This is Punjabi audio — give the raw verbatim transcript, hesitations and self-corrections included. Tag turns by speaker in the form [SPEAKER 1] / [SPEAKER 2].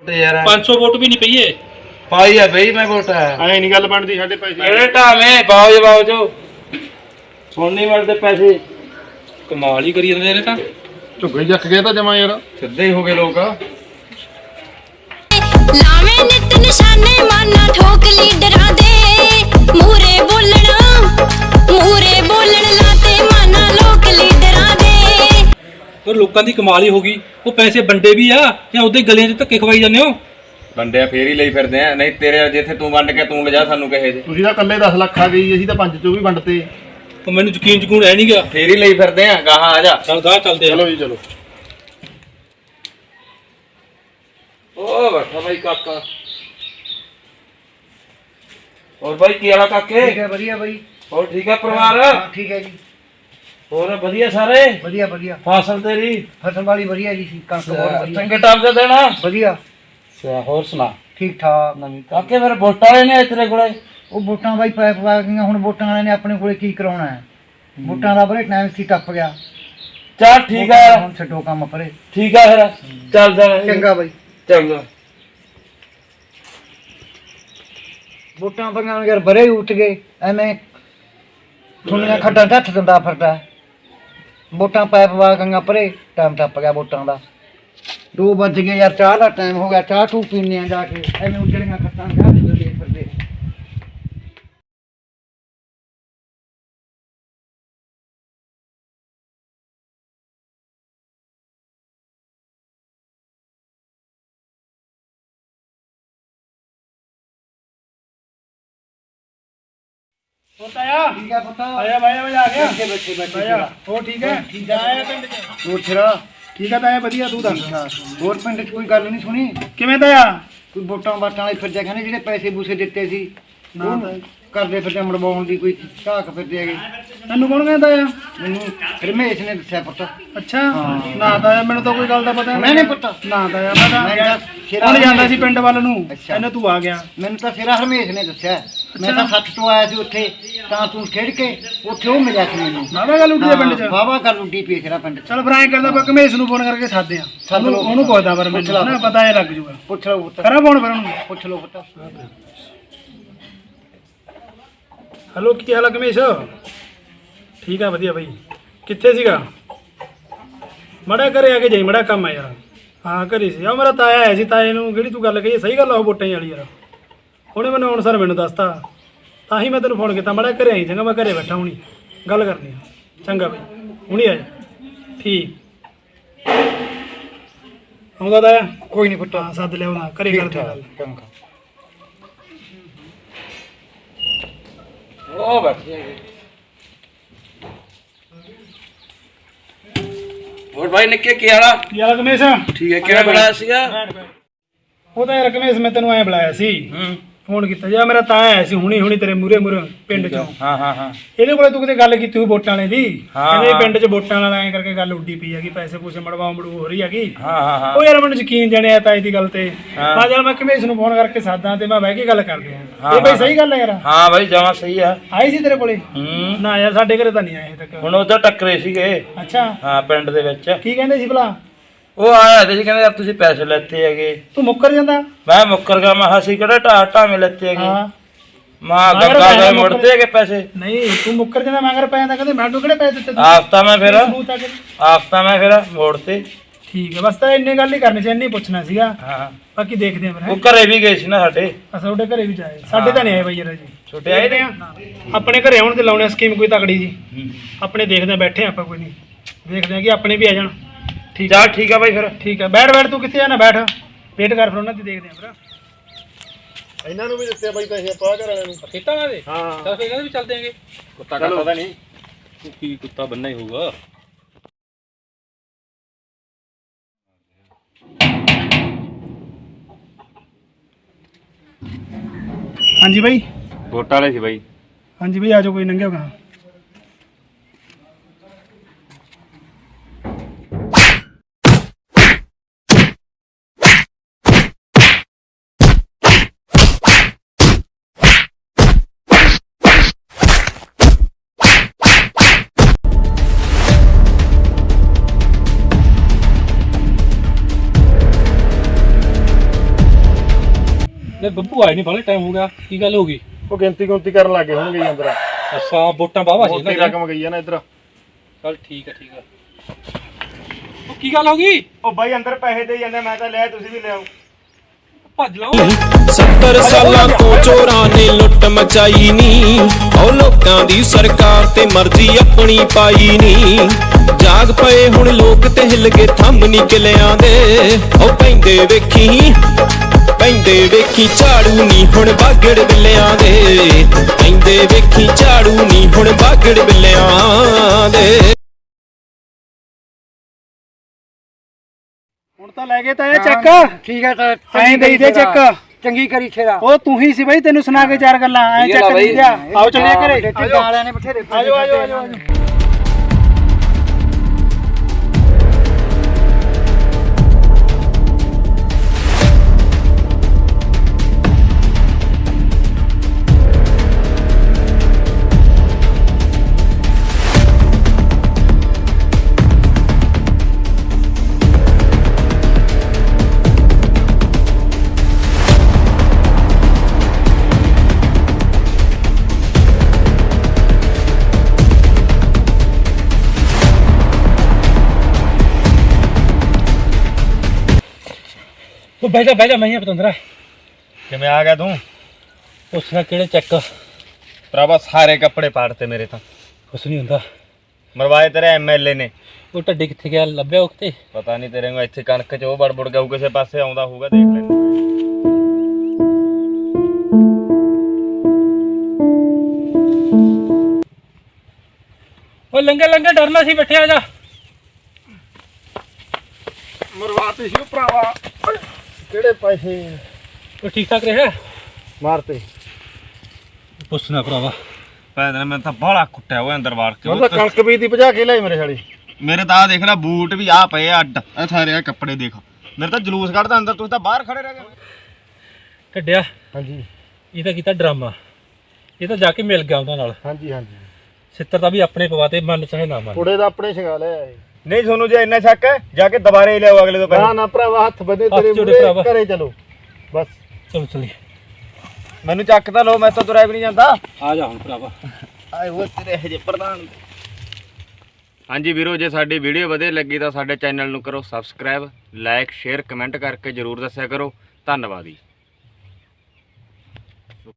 [SPEAKER 1] यार
[SPEAKER 2] पाँच सौ वोट भी नहीं पईए
[SPEAKER 1] पाई है बई मैं वोट है
[SPEAKER 3] ਐ ਨਹੀਂ ਗੱਲ ਬਣਦੀ ਸਾਡੇ ਪੈਸੇ
[SPEAKER 1] मेरे ढावे बाओ बाओ जो सुन नहीं मिलते पैसे
[SPEAKER 2] कमाल ही करी जांदे ने तां
[SPEAKER 3] ਝੁੱਗੇ ਜੱਕ ਗਿਆ ਤਾਂ ਜਮਾ ਯਾਰ
[SPEAKER 1] सीधे ही हो गए लोग
[SPEAKER 4] ਲਾਵੇਂ ਨਿਤ ਨਿਸ਼ਾਨੇ ਮਾਨਾ ਠੋਕ ਲੀਡਰਾਂ ਦੇ ਮੂਰੇ ਬੋਲਣਾ ਮੂਰੇ ਬੋਲਣ ਲਾਤੇ ਮਾਨਾ ਲੋਕ ਲੀਡਰਾਂ ਦੇ
[SPEAKER 2] और लोकां दी कमाल ही होगी वो पैसे वंडे भी आ या उदे गलियां च धक्के खवाई जांदे हो
[SPEAKER 1] वंडे फेर ही ਲਈ ਫਿਰਦੇ ਆ ਨਹੀਂ ਤੇਰੇ ਜਿੱਥੇ ਤੂੰ ਵੰਡ ਕੇ ਤੂੰ ਲਿਜਾ ਸਾਨੂੰ ਕਹੇ ਜੇ
[SPEAKER 3] ਤੁਸੀਂ ਤਾਂ ਇਕੱਲੇ ਦਸ ਲੱਖ ਆ ਗਈ ਅਸੀਂ ਤਾਂ ਪੰਜ ਚੋਂ ਵੀ ਵੰਡਤੇ
[SPEAKER 2] तो मैनू यकीन यकीन है नहीं गया
[SPEAKER 1] ਫੇਰ ਹੀ ਲਈ ਫਿਰਦੇ ਆ ਗਾਹਾਂ ਆ ਜਾ
[SPEAKER 2] चल गा चलते
[SPEAKER 3] ਚਲੋ ਜੀ ਚਲੋ
[SPEAKER 1] ओ बैठा भाई काका और भाई की हाल काके
[SPEAKER 5] ठीक है बढ़िया भाई
[SPEAKER 1] और ठीक है परिवार
[SPEAKER 5] हाँ, ठीक है जी
[SPEAKER 1] और बढ़िया सारे
[SPEAKER 5] बढ़िया बढ़िया
[SPEAKER 1] फसल तेरी
[SPEAKER 5] फसल वाली बढ़िया जी सी कणक बहुत बढ़िया
[SPEAKER 1] चंगे टाइम से देना
[SPEAKER 5] बढ़िया
[SPEAKER 1] और सुना
[SPEAKER 5] ठीक ठाक
[SPEAKER 1] काके फिर वोटा ने तेरे कोले
[SPEAKER 5] ਉਹ ਵੋਟਾਂ ਬਾਈ ਪੈ ਪਾ ਗਈਆਂ ਹੁਣ ਵੋਟਾਂ ਵਾਲਿਆਂ ਨੇ ਆਪਣੇ ਕੋਲੇ ਕੀ ਕਰਾਉਣਾ ਹੈ ਵੋਟਾਂ ਦਾ ਬਰੇ ਟਾਈਮ ਸੀ ਟੱਪ ਗਿਆ
[SPEAKER 1] चल ठीक है
[SPEAKER 5] ਹੁਣ ਛੱਡੋ ਕੰਮ ਪਰੇ
[SPEAKER 1] ठीक है फिर चल जा
[SPEAKER 5] ਚੰਗਾ ਬਾਈ
[SPEAKER 1] चंगा
[SPEAKER 5] ਵੋਟਾਂ ਪਈਆਂ ਯਾਰ ਬਰੇ ਉੱਠ ਗਏ ਐਵੇਂ ਦੁਨੀਆ ਖੱਡਾਂ ਹੱਥ ਦਿੰਦਾ ਫਿਰਦਾ ਵੋਟਾਂ ਪੈ ਪਵਾ ਗਈਆਂ ਪਰੇ ਟਾਈਮ ਟੱਪ ਗਿਆ ਵੋਟਾਂ ਦਾ ਦੋ ਵੱਜ ਗਏ ਯਾਰ ਚਾਹ ਦਾ ਟਾਈਮ ਹੋ ਗਿਆ ਚਾਹ ਟੂ ਪੀਣੇ ਆ ਜਾ ਕੇ ਐਵੇਂ ਉੱਜੜੀਆਂ ਖੱਟਾਂ ਦੇ ਹੱਥ ਦਿੰਦੇ ਫਿਰਦੇ
[SPEAKER 3] ਹੋਤਾ ਆ
[SPEAKER 5] ਠੀਕ ਹੈ ਪੁੱਤ
[SPEAKER 3] ਆਇਆ ਭਾਈ ਮੈਂ ਆ ਗਿਆ
[SPEAKER 5] ਬੈਠੇ ਬੈਠੇ ਬੈਠੇ
[SPEAKER 3] ਆਇਆ ਹੋ ਠੀਕ ਹੈ
[SPEAKER 5] ਠੀਕ ਹੈ
[SPEAKER 3] ਆਇਆ ਪਿੰਡ ਚ
[SPEAKER 5] ਹੋਰ ਛਰਾ
[SPEAKER 3] ਠੀਕ ਹੈ ਤਾਂ ਆਇਆ ਵਧੀਆ ਤੂੰ ਦੱਸ
[SPEAKER 5] ਹੋਰ ਪਿੰਡ 'ਚ ਕੋਈ ਗੱਲ ਨਹੀਂ ਸੁਣੀ
[SPEAKER 3] ਕਿਵੇਂ ਤਾਂ ਆ
[SPEAKER 5] ਕੋਈ ਵੋਟਾਂ ਵਾਟਾਂ ਵਾਲੇ ਫਿਰਦੇ ਕਹਿੰਦੇ ਜਿਹੜੇ ਪੈਸੇ ਪੂਸੇ ਦਿੱਤੇ ਸੀ
[SPEAKER 3] ਨਾ
[SPEAKER 5] ਉਹ
[SPEAKER 3] ਤਾਂ।
[SPEAKER 5] ਕਰਦੇ ਫਿਰਦੇ ਮੜਵਾਉਣ ਦੀ ਕੋਈ ਝਾਕ ਫਿਰਦੇ ਹੈਗੇ
[SPEAKER 3] ਤੈਨੂੰ ਕੌਣ ਕਹਿੰਦਾ ਆ
[SPEAKER 5] ਮੈਨੂੰ ਰਮੇਸ਼ ਨੇ ਦੱਸਿਆ ਪੁੱਤ
[SPEAKER 3] ਅੱਛਾ ਨਾ ਤਾਂ ਮੈਨੂੰ ਤਾਂ ਕੋਈ ਗੱਲ ਦਾ ਪਤਾ
[SPEAKER 5] ਮੈਂ ਨਹੀਂ ਪੁੱਤ
[SPEAKER 3] ਨਾ ਤਾਂ ਮੈਂ ਤਾਂ
[SPEAKER 5] ਮੈਂ
[SPEAKER 3] ਗਿਆ
[SPEAKER 5] ਤਾਂ ਸ਼ੇਰਾ
[SPEAKER 3] ਹੁਣ ਜਾਂਦਾ ਸੀ ਪਿੰਡ ਵੱਲ ਨੂੰ
[SPEAKER 5] ਅੱਛਾ।
[SPEAKER 3] ਇਹਨੇ ਤੂੰ ਆ ਗਿਆ
[SPEAKER 5] ਮੈਨੂੰ ਤਾਂ ਸਿਰਾ ਰਮੇਸ਼ ਨੇ ਦੱਸਿਆ ਮੈਂ ਤਾਂ ਸੱਤ ਤੋਂ ਆਇਆ ਸੀ ਉੱਥੇ ਤਾਂ ਤੂੰ ਖੇਡ ਕੇ ਉੱਥੇ ਉਹ ਮਿਲਿਆ ਸੀ ਮੈਨੂੰ
[SPEAKER 3] ਨਾਵਾ ਗੱਲ ਉੱਡੀ ਆ ਪਿੰਡ ਚ
[SPEAKER 5] ਵਾਵਾ ਕਰ ਉੱਡੀ ਪਈ ਸਿਰਾ ਪਿੰਡ 'ਚ
[SPEAKER 3] ਚਲ ਫਿਰ ਐਂ ਕਰਦਾ ਆਪਾਂ ਕਮੇਸ਼ ਨੂੰ ਫੋਨ ਕਰਕੇ ਸਾਦੇ ਆ
[SPEAKER 5] ਸੱਦ ਲਓ।
[SPEAKER 3] ਉਹਨੂੰ ਉਹਨੂੰ ਪੁੱਛਦਾ ਪਰ
[SPEAKER 5] ਪੁੱਛ ਲਾ।
[SPEAKER 3] ਮੈਨੂੰ ਨਾ ਪਤਾ ਇਹ ਲੱਗ ਜੂਗਾ
[SPEAKER 5] ਪੁੱਛ ਲਓ ਪੁੱਤ
[SPEAKER 3] ਕਰਾਂ ਫੋਨ ਫਿਰ ਉਹਨੂੰ
[SPEAKER 5] ਪੁੱਛ ਲਓ ਪੁੱਤ
[SPEAKER 3] ਹੈਲੋ ਕੀ ਹਾਲ ਆ ਕਮੇਸ਼ ਠੀਕ ਆ ਵਧੀਆ ਬਾਈ ਕਿੱਥੇ ਸੀਗਾ ਮੜਾ ਘਰੇ ਆ ਕੇ ਜਾਈ ਮੜਾ ਕੰਮ ਆ ਯਾਰ ਹਾਂ ਘਰੇ ਸੀ ਆ ਮੇਰਾ ਤਾਇਆ ਆਇਆ ਸੀ ਤਾਏ ਨੂੰ ਜਿਹੜੀ ਤੂੰ ਗੱਲ ਕਹੀ ਸਹੀ ਗੱਲ ਆ ਉਹ ਵੋਟਾਂ ਵਾਲੀ ਯਾਰ ਉਹਨੇ ਮੈਨੂੰ ਹੁਣ ਸਰ ਮੈਨੂੰ ਦੱਸਤਾ ਤਾਂ ਹੀ ਮੈਂ ਤੈਨੂੰ ਫੋਨ ਕੀਤਾ ਮੜਾ ਘਰੇ ਆਈ ਚੰਗਾ ਮੈਂ ਘਰੇ ਬੈਠਾ ਹੁਣੀ ਗੱਲ ਕਰਨੀ ਆ ਚੰਗਾ ਬਾਈ ਹੁਣੀ ਆ ਜਾ ਠੀਕ ਆਉਂਦਾ ਤਾਇਆ
[SPEAKER 5] ਕੋਈ ਨਹੀਂ ਪੁੱਤ
[SPEAKER 3] ਹਾਂ ਸੱਦ ਲਿਆਉਣਾ ਘਰੇ ਕਰਦੇ ਆ ਗੱਲ
[SPEAKER 5] ਚੰਗਾ
[SPEAKER 1] ओ बैठे और भाई निक्के की हाल
[SPEAKER 3] ਕੀ ਹਾਲ ਆ ਕਮੇਸ਼
[SPEAKER 1] ठीक है केड़ा बनाया सीगा
[SPEAKER 3] ਉਹ ਤਾਂ ਯਾਰ ਕਮੇਸ਼ ਮੈਂ ਤੈਨੂੰ ਐ ਬੁਲਾਇਆ ਸੀ
[SPEAKER 1] हम्म
[SPEAKER 3] ਫੋਨ ਕੀਤਾ ਜੀ ਮੇਰਾ ਤਾਂ ਆਇਆ ਸੀ ਹੁਣੀ ਹੁਣੀ ਤੇਰੇ ਮੂਰੇ ਮੂਰੇ ਪਿੰਡ ਚੋਂ
[SPEAKER 1] हां हां हां
[SPEAKER 3] ਇਹਦੇ ਕੋਲੇ ਤੂੰ ਕਿਤੇ ਗੱਲ ਕੀਤੀ ਹੋਈ ਵੋਟਾਂ ਵਾਲੇ ਦੀ
[SPEAKER 1] ਹਾਂ,
[SPEAKER 3] ਕਹਿੰਦੇ
[SPEAKER 1] ਹਾਂ।
[SPEAKER 3] ਪਿੰਡ 'ਚ ਵੋਟਾਂ ਵਾਲਾ ਐਂ ਕਰਕੇ ਗੱਲ ਉੱਡੀ ਪਈ ਹੈਗੀ ਪੈਸੇ ਪੂਸੇ ਮੜਵਾਉ ਮੜੂ ਹੋ ਰਹੀ ਹੈਗੀ
[SPEAKER 1] हां हां हां
[SPEAKER 3] ਉਹ ਯਾਰ ਮੈਨੂੰ ਯਕੀਨ ਜਣਿਆ ਤਾਂ ਇਹਦੀ ਗੱਲ ਤੇ
[SPEAKER 1] ਹਾਂ।
[SPEAKER 3] ਮੈਂ ਚੱਲ ਮੈਂ ਕਮੇਸ਼ ਨੂੰ ਫੋਨ ਕਰਕੇ ਸਾਦਾ ਤੇ ਮੈਂ ਬਹਿ ਕੇ ਗੱਲ ਕਰਦੇ ਆ
[SPEAKER 1] ਹਾਂ,
[SPEAKER 3] ਇਹ ਬਈ
[SPEAKER 1] ਹਾਂ।
[SPEAKER 3] ਸਹੀ ਗੱਲ ਹੈ ਯਾਰ
[SPEAKER 1] हां भाई जमा सही है
[SPEAKER 3] ਆਈ ਸੀ ਤੇਰੇ ਕੋਲੇ
[SPEAKER 1] ਹੂੰ
[SPEAKER 3] ਨਾ ਯਾਰ ਸਾਡੇ ਘਰੇ ਤਾਂ ਨਹੀਂ ਆਏ ਹਜੇ ਤੱਕ
[SPEAKER 1] ਹੁਣ ਉਧਰ ਟੱਕਰੇ ਸੀਗੇ
[SPEAKER 3] ਅੱਛਾ
[SPEAKER 1] ਹਾਂ ਪਿੰਡ ਦੇ ਵਿੱਚ
[SPEAKER 3] ਕੀ ਕਹਿੰਦੇ ਸੀ ਭਲਾ
[SPEAKER 1] ਉਹ ਆਇਆ ਤੇ ਸੀ ਕਹਿੰਦੇ ਯਾਰ ਤੁਸੀਂ ਪੈਸੇ ਲੈਤੇ ਹੈਗੇ
[SPEAKER 3] ਤੂੰ ਮੁੱਕਰ ਜਾਂਦਾ
[SPEAKER 1] ਮੈਂ ਮੁੱਕਰ ਗਿਆ ਮੈਂ ਹਸੀ ਕਿਹੜਾ ਢਾ ਢਾਵੇਂ ਲੈਤੇ ਹੈਗੇ
[SPEAKER 3] ਹਾਂ
[SPEAKER 1] ਮਾਂ
[SPEAKER 3] ਮਗਰ
[SPEAKER 1] ਗੰਗਾ
[SPEAKER 3] ਪੈਸੇ
[SPEAKER 1] ਦੇ
[SPEAKER 3] ਮੁੱਕਰ-
[SPEAKER 1] ਮੁੜਦੇ ਹੈਗੇ ਪੈਸੇ
[SPEAKER 3] ਨਹੀਂ ਤੂੰ ਮੁੱਕਰ ਜਾਂਦਾ ਮਗਰ ਪੈ ਜਾਂਦਾ ਕਹਿੰਦੇ ਮੈਨੂੰ ਕਿਹੜੇ ਪੈਸੇ ਦਿੱਤੇ ਤੂੰ
[SPEAKER 1] ਆਫਤਾ ਮੈਂ ਫਿਰ
[SPEAKER 3] ਸਬੂਤ ਆ ਕੇ।
[SPEAKER 1] ਆਫਤਾ ਮੈਂ ਫਿਰ ਮੋੜਤੇ
[SPEAKER 3] ਠੀਕ ਹੈ ਬਸ ਤਾਂ ਇੰਨੇ ਗੱਲ ਹੀ ਕਰਨੀ ਸੀ ਇੰਨੀ ਪੁੱਛਣਾ ਸੀਗਾ
[SPEAKER 1] ਹਾਂ
[SPEAKER 3] ਬਾਕੀ ਦੇਖਦੇ ਆਂ ਫਿਰ
[SPEAKER 1] ਉਹ ਘਰੇ ਵੀ ਗਏ ਸੀ ਨਾ ਸਾਡੇ
[SPEAKER 3] ਅਸਾਂ ਤੁਹਾਡੇ ਘਰੇ ਵੀ ਜਾਏ ਸਾਡੇ ਤਾਂ ਨਹੀਂ ਆਏ ਬਈ ਯਾਰ ਜੀ
[SPEAKER 1] ਛੋਟੇ ਆਏ ਨੇ
[SPEAKER 3] ਆਪਣੇ ਘਰੇ ਆਉਣ ਤੇ ਲਾਉਣੇ ਸਕੀਮ ਕੋਈ ਤਕੜੀ ਜੀ
[SPEAKER 1] ਹੂੰ।
[SPEAKER 3] ਆਪਣੇ ਦੇਖਦੇ ਆਂ ਬੈਠੇ ਆਂ ਆਪਾਂ ਕੋਈ ਨਹੀਂ ਦੇਖਦੇ ਆਂ ਕਿ ਆਪਣੇ ਵੀ ਆ ਜਾਣ ਠੀਕ
[SPEAKER 1] ਚੱਲ ਠੀਕ ਆ ਬਾਈ ਫਿਰ
[SPEAKER 3] ਠੀਕ ਹੈ ਬੈਠ ਬੈਠ ਤੂੰ ਕਿੱਥੇ ਜਾਣਾ ਬੈਠ ਵੇਟ ਕਰ ਫਿਰ ਉਹਨਾਂ ਦੀ ਦੇਖਦੇ ਆਂ ਫਿਰ ਇਹਨਾਂ ਨੂੰ ਵੀ ਦਿੱਤੇ ਬਾਈ ਪੈਸੇ ਆਪਾਂ ਘਰ ਵਾਲਿਆਂ ਨੂੰ
[SPEAKER 2] खेता में
[SPEAKER 3] ਹਾਂ
[SPEAKER 2] चल फिर भी चल देंगे
[SPEAKER 1] ਕੁੱਤਾ ਕੱਟਦਾ ਤਾਂ ਨਹੀਂ
[SPEAKER 2] की कुत्ता बनना ही होगा
[SPEAKER 3] ਹਾਂਜੀ ਬਾਈ
[SPEAKER 1] ਵੋਟਾਂ ਵਾਲੇ ਸੀ ਬਾਈ
[SPEAKER 3] ਹਾਂਜੀ ਬਾਈ ਆ ਜਾਓ ਕੋਈ ਨੰਗੇ ਹੋਗਾ
[SPEAKER 2] ਤੇ ਬੱਬੂ ਆਏ ਨਹੀਂ ਬਾਲੇ ਟਾਈਮ ਹੋ ਗਿਆ ਕੀ ਗੱਲ ਹੋ ਗਈ
[SPEAKER 3] ਉਹ ਗਿਣਤੀ ਗੁੰਤੀ ਕਰਨ ਲੱਗੇ ਹੋਣਗੇ ਜੀ ਅੰਦਰ
[SPEAKER 2] ਅੱਛਾ ਵੋਟਾਂ ਬਾਵਾ ਸੀ
[SPEAKER 3] ਮੋਟੀ
[SPEAKER 2] ਇਹਨਾਂ
[SPEAKER 3] ਰਕਮ ਗਈ ਆ ਨਾ ਇੱਧਰ
[SPEAKER 2] ਚੱਲ ਠੀਕ ਆ ਠੀਕ ਆ ਉਹ ਕੀ ਗੱਲ ਹੋ ਗਈ
[SPEAKER 3] ਉਹ ਬਾਈ ਅੰਦਰ ਪੈਸੇ ਦੇ ਜਾਂਦੇ ਮੈਂ ਤਾਂ ਲਿਆ ਤੁਸੀਂ ਵੀ ਲਿਆਓ
[SPEAKER 2] ਭੱਜ ਲਾਓ
[SPEAKER 6] ਸੱਤਰ ਸਾਲਾਂ ਤੋਂ ਚੋਰਾਂ ਨੇ ਲੁੱਟ ਮਚਾਈ ਨੀ ਉਹ ਲੋਕਾਂ ਦੀ ਸਰਕਾਰ ਤੇ ਮਰਜ਼ੀ ਆਪਣੀ ਪਾਈ ਨੀ ਜਾਗ ਪਏ ਹੁਣ ਲੋਕ ਤੇ ਹਿੱਲ ਕੇ ਥੰਮ ਨੀ ਕਿਲਿਆਂ ਦੇ ਉਹ ਪੈਂਦੇ ਵੇਖੀ ਪੈਂਦੇ ਵੇਖੀ ਝਾੜੂ ਨੀ ਹੁਣ ਬਾਗੜ ਬਿੱਲਿਆਂ ਦੇ ਪੈਂਦੇ ਵੇਖੀ ਝਾੜੂ ਨੀ ਹੁਣ ਬਾਗੜ ਬਿੱਲਿਆਂ ਦੇ
[SPEAKER 3] ਹੁਣ ਤਾਂ ਲੈ ਗਏ ਤਾਂ ਇਹ ਚੱਕ
[SPEAKER 5] ਠੀਕ ਹੈ ਤਾਂ
[SPEAKER 3] ਐਂ ਦੇਈ ਦੇ ਚੱਕ
[SPEAKER 5] ਚੰਗੀ ਕਰੀ ਛੇਰਾ
[SPEAKER 3] ਉਹ ਤੂੰ ਹੀ ਸੀ ਬਈ ਤੈਨੂੰ ਸੁਣਾ ਕੇ ਚਾਰ ਗੱਲਾਂ ਐਂ ਚੱਕ ਦੇ ਦਿਆ ਆਓ ਚੱਲੀਏ ਘਰੇ
[SPEAKER 5] ਆਜੋ ਵਾਲਿਆਂ ਨੇ ਬਥੇਰੇ
[SPEAKER 3] ਆਜੋ ਆਜੋ ਆਜੋ
[SPEAKER 2] ਉਹ ਬਹਿ ਜਾ ਬਹਿ ਜਾ ਮੈਂ ਹੀ ਪਤੰਦਰਾ
[SPEAKER 1] ਕਿਵੇਂ ਆ ਗਿਆ ਤੂੰ
[SPEAKER 2] ਪੁੱਛਣਾ ਕਿਹੜੇ ਚੈੱਕ
[SPEAKER 1] ਭਰਾਵਾ ਸਾਰੇ ਕੱਪੜੇ ਪਾੜਤੇ ਮੇਰੇ ਤਾਂ
[SPEAKER 2] ਕੁਛ ਨਹੀਂ ਹੁੰਦਾ
[SPEAKER 1] ਮਰਵਾਏ ਤੇਰੇ ਐਮਐਲਏ ਨੇ
[SPEAKER 2] ਉਹ ਟੱਡੀ ਕਿੱਥੇ ਗਿਆ ਲੱਭਿਆ ਉਹ ਕਿਤੇ
[SPEAKER 1] ਪਤਾ ਨਹੀਂ ਤੇਰੇ ਨੂੰ ਇੱਥੇ ਕਣਕ ਚ ਉਹ ਬੜਬੜ ਗਿਆ ਕਿਸੇ ਪਾਸੇ ਆਉਂਦਾ ਹੋਊਗਾ ਦੇਖ ਲੈਂਦੇ
[SPEAKER 2] ਉਹ ਲੰਗੇ ਲੰਗੇ ਡਰਨਾ ਸੀ ਬੈਠੇ ਆ ਜਾ
[SPEAKER 3] ਮਰਵਾਤੇ ਸੀ ਉਹ ਭਰਾਵਾ ਕਿਹੜੇ ਪੈਸੇ
[SPEAKER 2] ਉਹ ਠੀਕ ਠਾਕ ਰਿਹਾ
[SPEAKER 3] ਮਾਰਤੇ
[SPEAKER 2] ਪੁੱਛਣਾ ਭਰਾਵਾ
[SPEAKER 1] ਭੈਣ ਨੇ ਮੈਨੂੰ ਤਾਂ ਬਾਹਲਾ ਕੁੱਟਿਆ ਉਹ ਅੰਦਰ ਵਾੜ ਕੇ
[SPEAKER 3] ਮੈਂ ਤਾਂ ਕਣਕ ਬੀਜ ਦੀ ਭਜਾ ਕੇ ਲਿਆਈ ਮੇਰੇ ਸਾਲੀ
[SPEAKER 1] ਮੇਰੇ ਤਾਂ ਆ ਦੇਖ ਲੈ ਬੂਟ ਵੀ ਆ ਪਏ ਆ ਅੱਡ ਇਹ ਸਾਰੇ ਆ ਕੱਪੜੇ ਦੇਖ ਮੇਰੇ ਤਾਂ ਜਲੂਸ ਕੱਢਦਾ ਅੰਦਰ ਤੁਸੀਂ ਤਾਂ ਬਾਹਰ ਖੜੇ ਰਹਿ ਗਏ
[SPEAKER 2] ਕੱਢਿਆ
[SPEAKER 3] ਹਾਂਜੀ
[SPEAKER 2] ਇਹ ਤਾਂ ਕੀਤਾ ਡਰਾਮਾ ਇਹ ਤਾਂ ਜਾ ਕੇ ਮਿਲ ਗਿਆ ਉਹਨਾਂ ਨਾਲ
[SPEAKER 3] ਹਾਂਜੀ ਹਾਂਜੀ
[SPEAKER 2] ਸਿੱਤਰ ਤਾਂ ਵੀ ਆਪਣੇ ਪਵਾਤੇ ਮੰਨ ਚਾਹੇ ਨਾ ਮੰਨ
[SPEAKER 3] ਕੁੜੇ ਦਾ ਆਪਣੇ ਛਗਾ ਲਿਆ
[SPEAKER 1] ਨਹੀਂ ਤੁਹਾਨੂੰ ਜੇ ਇੰਨਾ ਸ਼ੱਕ ਹੈ ਜਾ ਕੇ ਦੁਬਾਰੇ ਲਿਆਓ ਅਗਲੇ ਤੋਂ
[SPEAKER 3] ਨਾ
[SPEAKER 1] ਪਹਿਲਾਂ
[SPEAKER 3] ਨਾ ਭਰਾਵਾ ਹੱਥ ਬੰਦੇ
[SPEAKER 2] ਹੱਥ
[SPEAKER 3] ਤੇਰੇ
[SPEAKER 2] ਜੋੜੇ
[SPEAKER 3] ਮੂਹਰੇ
[SPEAKER 2] ਭਰਾਵਾ।
[SPEAKER 3] ਘਰੇ ਚਲੋ ਬਸ
[SPEAKER 2] ਚਲੋ ਚਲੀਏ
[SPEAKER 1] ਮੈਨੂੰ ਚੱਕ ਤਾਂ ਲਓ ਮੈਂ ਤਾਂ ਤੁਰਿਆ ਵੀ ਨਹੀਂ ਜਾਂਦਾ
[SPEAKER 2] ਆ ਜਾ ਹੁਣ ਭਰਾਵਾ
[SPEAKER 1] ਆਏ ਉਹ ਤੇਰੇ ਹਜੇ ਪ੍ਰਧਾਨ ਹਾਂਜੀ ਵੀਰੋ ਜੇ ਸਾਡੀ ਵੀਡੀਓ ਵਧੀਆ ਲੱਗੀ ਤਾਂ ਸਾਡੇ ਚੈਨਲ ਨੂੰ ਕਰੋ ਸਬਸਕ੍ਰਾਈਬ ਲਾਈਕ ਸ਼ੇਅਰ ਕਮੈਂਟ ਕਰਕੇ ਜਰੂਰ ਦੱਸਿਆ ਕਰੋ ਧੰਨਵਾਦ ਜੀ।